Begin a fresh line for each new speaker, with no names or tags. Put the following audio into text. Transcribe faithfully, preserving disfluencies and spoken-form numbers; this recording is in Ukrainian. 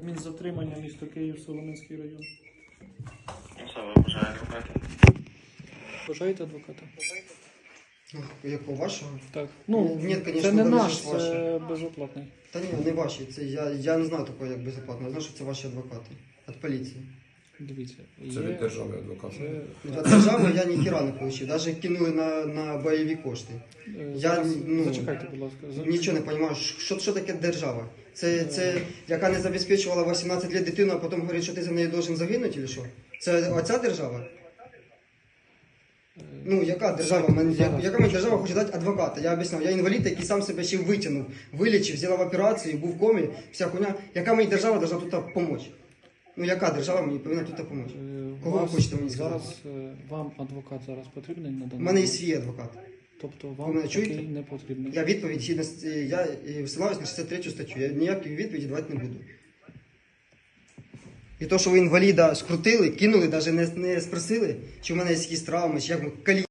Адмінзатримання, місто Київ, Солом'янський район.
Особа бажає адвоката.
Бажаєте адвоката?
Ну, якого вашого?
Так. Ну,
Ні, конечно,
це не
вони
наш,
ж ваші.
це безоплатний.
Та ні, не ваші. Це я, я не знаю такого, як безоплатно. Я знаю, що це ваші адвокати. Від поліції.
Дивіться.
Це від держави адвокат.
Це,
Від держави я ніхіра не отримав. Навіть кинули на, на бойові кошти.
е,
Я,
зараз-
ну,
Зачекайте, будь ласка. За-
Нічого не розумію, що, що таке держава? Це, це яка не забезпечувала вісімнадцять років дитину, а потім говорить, що ти за неї должен загинути, чи що? Це оця держава? Ну, яка держава? Мен- я- Яка мені держава хоче дати адвоката? Я об'ясняв, я інвалід, який сам себе ще витягнув, вилічив, зробив операцію, був в комі, вся хуйня. Яка мені держава должна тут допомогти? Ну, яка держава мені повинна тут допомогти?
Е,
Кого ви
вас
хочете мені сказати?
зараз, е, вам адвокат зараз потрібний на
У
даний
мене є
момент?
свій адвокат.
Тобто
Ви
вам
мене
такий
чуєте?
не потрібний?
Я відповідь, згідно з- я е, всилаюсь на шістдесят третю статтю, я ніякі відповіді давати не буду. І то, що ви інваліда скрутили, кинули, навіть не, не спросили, чи в мене є якісь травми, чи як ми калі.